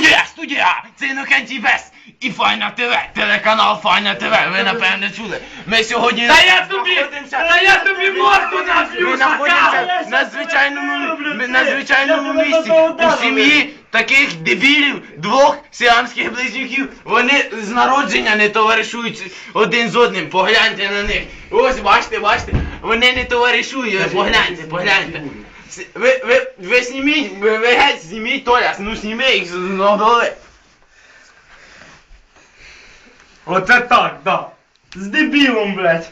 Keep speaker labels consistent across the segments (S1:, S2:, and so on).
S1: Студія! Це Інокентій Вес і Файна ТВ, телеканал Файна ТВ, ви напевне чули. Ми сьогодні
S2: Та я тобі морду наб'ю,
S1: ми знаходимося на звичайному місці у сім'ї таких дебілів, двох сіамських близнюків. Вони з народження не товаришують один з одним, погляньте на них. Ось, бачите, вони не товаришують, погляньте. Ви зніміть, ви геть зніміть, Толя, ну зніми їх з голови.
S2: Оце так, да. З дебілом, блядь.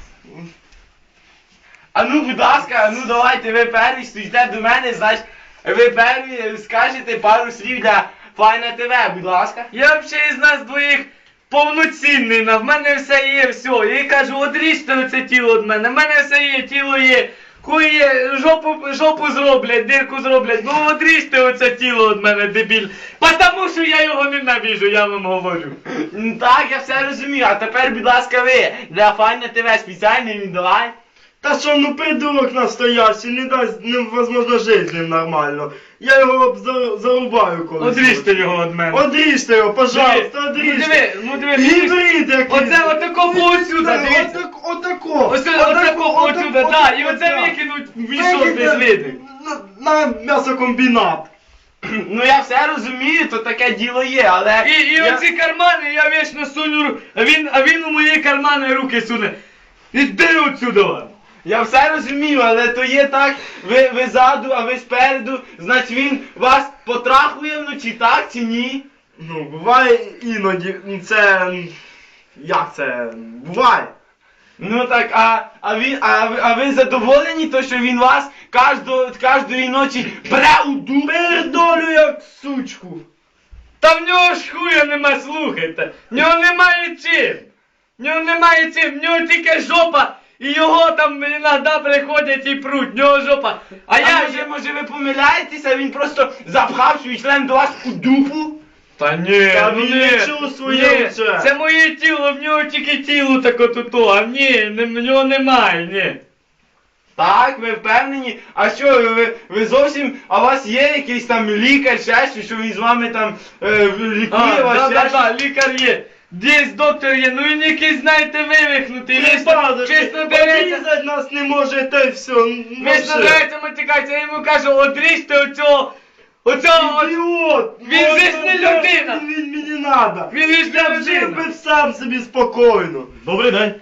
S1: А ну, будь ласка, ну давайте, ви перві стоїте до мене, значить, ви перві скажете пару слів для Файна ТВ, будь ласка.
S2: Я взагалі із нас двоїх повноцінний, в мене все є, все. Я їй кажу, одріжте оце тіло від мене, в мене все є, тіло є. Хуй є, жопу зроблять, дирку зроблять, ну одріжте оце тіло від мене, дебіль. Потому що я його ненавижу, я вам говорю.
S1: Так, я все розумію, а тепер, будь ласка, ви для Файна ТВ спеціальний віддавай.
S3: Та що, ну придурок настоящий, не дасть, невозможно жити з ним нормально. Я його зарубаю колись.
S2: Одріжте його від мене.
S3: Одріжте його, пожалуйста, одріжте.
S2: Ну диви,
S3: Гібрид якийсь.
S2: оце отакого отсюда, дивіться.
S3: Отако.
S2: Ось отакого отсюда, так, і оце викинуть в мішок без види.
S3: На м'ясокомбінат.
S1: Ну я все розумію, то таке діло є, але...
S2: І оці кармани я вічно суню, а він у мої кармани руки суне. Іди отсюда!
S1: Я все розумію, але то є так, ви ззаду, а ви спереду, значить він вас потрахує вночі, так чи ні?
S3: Ну, буває іноді, це... Як це? Буває.
S1: Ну так, а ви задоволені, то що він вас кожної ночі бре у дуб?
S3: Пердолю як сучку.
S2: Та в нього ж хуя нема, слухайте. В нього немає чим. В нього тільки жопа. І його там іноді приходять і пруть, в нього жопа.
S1: А може ви помиляєтеся, він просто запхав свій член до вас у дупу?
S2: Та ні,
S3: Та
S2: ну
S3: він
S2: ні,
S3: не чувствує вже.
S2: це моє тіло, в нього тільки тіло таке туто, а в нього немає, ні.
S1: Так, ви впевнені? А що, ви зовсім, а у вас є якийсь там лікар, ще щось, що він з вами там лікує вас, ще щось?
S2: Да, лікар є. Десь доктор є, ну він якийсь, знаєте, вивихнутий,
S3: Чесно
S2: чесно береться.
S3: Обрізать нас не може, та й все.
S2: Вічно береться матюкається, я йому кажу, одріжте оцього,
S3: Ідіот!
S2: Він же ж не людина!
S3: Він мені надо!
S2: Він же ж не
S3: Я жив
S2: людина.
S3: би сам собі спокійно!
S2: Добрий день.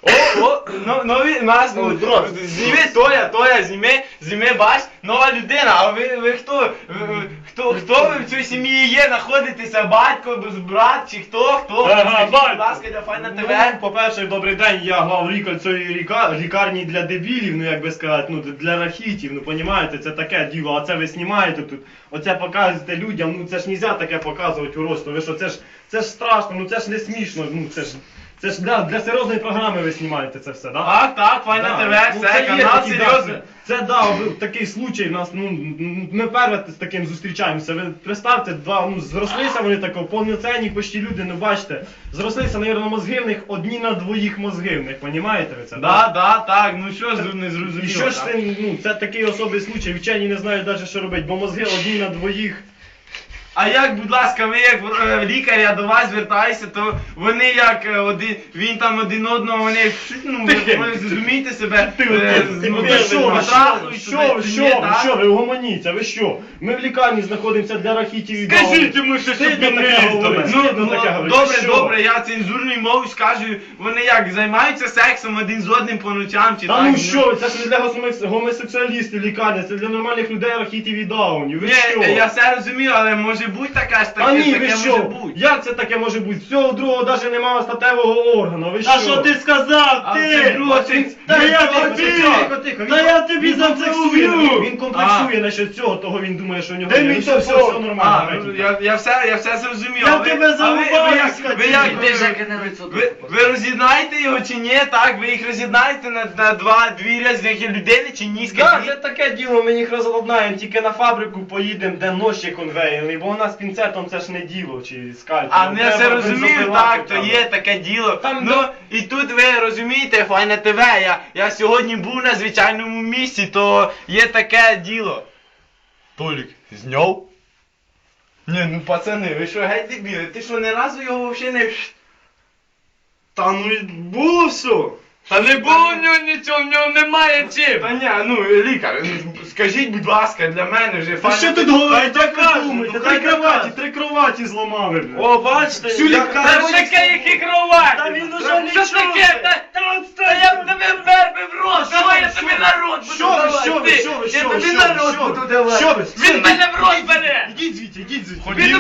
S1: Зніми, Толя, зніми, бач, нова людина, а ви хто? Хто ви в цій сім'ї є, знаходитеся, батько, брат, чи хто? Скажіть, будь ласка, для Файна ТВ.
S4: Ну, по-перше, добрий день, я главлікар цієї лікарні для дебілів, ну як би сказати, ну для рахітів, ну понімаєте, це таке діло, а це ви знімаєте тут, оце показуєте людям, ну це ж нельзя таке показувати уродство, ви що, це ж страшно, ну це ж не смішно, ну це ж для серйозної програми ви знімаєте це все, да?
S1: Так, Файна ТВ, все, канал серйозний.
S4: Це такий случай в нас, ну, ми перше з таким зустрічаємося. Ви представте, зрослися вони тако, повноцінні почти люди, ну бачите, зрослися, навірно, мозги в них одні на двоїх мозги в них, понімаєте ви це?
S1: Так, ну що ж не зрозуміло.
S4: І що ж це, ну, це такий особий случай, вчені не знають навіть, що робити, бо мозги одні на двоїх.
S1: А як, будь ласка, ви як лікар, я до вас звертаюся, то вони як він там один одного, вони, ну, ви зрозумієте себе,
S4: Що ви угомоніться, ви що? Ми в лікарні знаходимося для рахітів і
S2: Скажіть йому, що щоб він не їздив.
S1: Добре, я цензурною мовою скажу, вони як, займаються сексом один з одним по ночам, чи так?
S4: Та ну що, це ж не для гомосексуалістів лікарня, це для нормальних людей рахітів і даунів, ви що?
S1: Ні, я все розумію, але може бути таке ж
S4: А ні,
S1: таке
S4: ви
S1: може
S4: що?
S1: бути.
S4: Як це таке може бути? Всього другого навіть немає статевого органу, ви що?
S3: Та що ти сказав,
S1: А це
S3: ти?
S1: друге,
S3: Та я
S4: Тихо,
S3: тобі!
S4: тихо,
S3: Та я тобі за це уб'ю!
S4: Він комплексує насчет цього, того він думає, що у нього
S3: Де
S4: є.
S3: мій
S4: Ну, все
S3: телефон?
S4: нормально.
S1: Я все зрозумів.
S3: Я
S1: а ви-
S3: тебе
S1: а ви-
S3: зарубаю,
S1: ви як-
S3: скотина.
S1: ви як-
S2: Іди, Жека, на лицо.
S1: Ви роз'єднаєте його чи ні? Так, ви їх роз'єднаєте на дві різних людини чи ні?
S4: Так,
S1: Скажіть.
S4: це таке діло, ми їх розладнаємо, тільки на фабрику поїдемо, де ножі конвейерні, бо у нас пінцетом це ж не діло, чи скальпелем.
S1: А не все
S4: Треба
S1: розумію,
S4: бензопилами
S1: так, то
S4: треба.
S1: є таке діло.
S4: Там
S1: Ну, і тут ви розумієте, Файна ТВ, я сьогодні був на звичайному місці, то є таке діло. Толік, зняв? Ні, ну пацани, ви що геть дебіли? Ти що, ні разу його взагалі не...
S3: Та ну і було все.
S2: Та не було в нього нічого, в нього немає чим.
S1: Та ні, ну лікар, скажіть, будь ласка, для мене вже
S4: Та що тут говорить, як ви думаєте?
S3: хай
S4: Три кроваті зламали, блядь.
S3: О, бачите,
S4: Всю
S3: я
S4: лікарню.
S2: Та
S3: кажу,
S2: таке, які кроваті.
S3: Та він уже
S2: Що
S3: нічого.
S2: таке? Та я б тебе вмер в рот, давай я тобі на рот буду
S3: Що ви,
S2: давати.
S3: що ви,
S2: Ти,
S3: що ви,
S2: я
S3: що ви,
S2: тобі
S3: що
S2: на
S3: ви,
S2: рот
S3: що ви?
S2: буду давати.
S3: Що ви?
S2: Він мене в рот бере.
S3: Ідіть звідти, ідіть звідти.
S2: Він